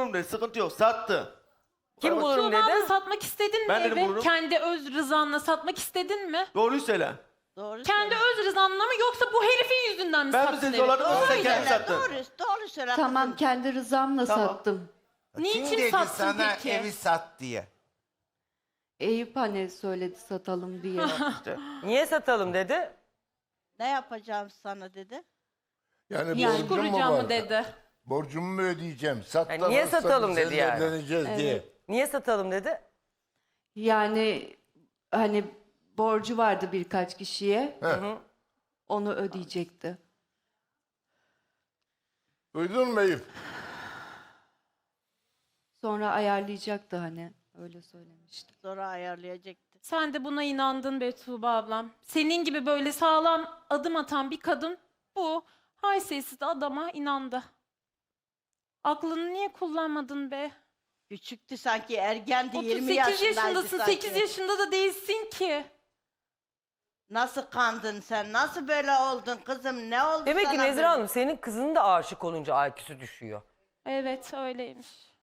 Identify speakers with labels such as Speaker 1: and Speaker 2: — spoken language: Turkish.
Speaker 1: bulurum dedi. Sıkıntı yok. Sattı.
Speaker 2: Kim bulurum
Speaker 3: Tuğba abla
Speaker 2: dedi?
Speaker 3: satmak istedin mi
Speaker 1: Ben dedim
Speaker 3: evi?
Speaker 1: bulurum.
Speaker 3: Kendi öz rızanla satmak istedin mi?
Speaker 1: Doğruyu söyle.
Speaker 4: Doğru
Speaker 3: Kendi
Speaker 4: söyle.
Speaker 3: öz rızanla mı yoksa bu herifin yüzünden mi
Speaker 1: Ben mi
Speaker 3: sattın
Speaker 1: seni
Speaker 3: evi?
Speaker 1: zorladım,
Speaker 3: Doğru
Speaker 1: sen
Speaker 3: söyle.
Speaker 1: kendin sattın.
Speaker 4: Doğru söyle
Speaker 5: Tamam,
Speaker 4: kızım.
Speaker 5: kendi rızamla
Speaker 1: Tamam.
Speaker 5: sattım.
Speaker 3: Niçin
Speaker 6: Kim dedi
Speaker 3: sattın
Speaker 6: sana
Speaker 3: peki?
Speaker 6: evi sat diye?
Speaker 5: Eyüp hani söyledi satalım diye.
Speaker 1: İşte.
Speaker 2: Niye satalım dedi?
Speaker 4: Ne yapacağım sana dedi.
Speaker 7: Yani
Speaker 3: İş
Speaker 7: borcum mu
Speaker 3: kuracağım
Speaker 7: var?
Speaker 3: mı dedi.
Speaker 7: Borcumu mu ödeyeceğim? Sat
Speaker 2: Yani
Speaker 7: da
Speaker 2: niye
Speaker 7: varsa
Speaker 2: satalım
Speaker 7: biz
Speaker 2: dedi
Speaker 7: seninle
Speaker 2: yani.
Speaker 7: evleneceğiz diye.
Speaker 2: Niye satalım dedi?
Speaker 5: Yani hani borcu vardı birkaç kişiye.
Speaker 7: Heh.
Speaker 5: Onu ödeyecekti.
Speaker 7: Duydun mu Eyüp?
Speaker 5: Sonra ayarlayacaktı hani. Öyle söylemişti.
Speaker 4: Sonra ayarlayacaktı.
Speaker 3: Sen de buna inandın be Tuğba ablam. Senin gibi böyle sağlam adım atan bir kadın bu haysiyetsiz adama inandı. Aklını niye kullanmadın be?
Speaker 4: Küçüktü sanki, ergendi, 20
Speaker 3: 38
Speaker 4: yaşındaydı
Speaker 3: yaşındasın,
Speaker 4: sanki.
Speaker 3: 8 yaşında da değilsin ki.
Speaker 4: Nasıl kandın sen? Nasıl böyle oldun kızım? Ne oldu
Speaker 2: Demek ki
Speaker 4: sana
Speaker 2: Nezire
Speaker 4: böyle?
Speaker 2: Hanım senin kızının da aşık olunca IQ'su düşüyor.
Speaker 3: Evet öyleymiş.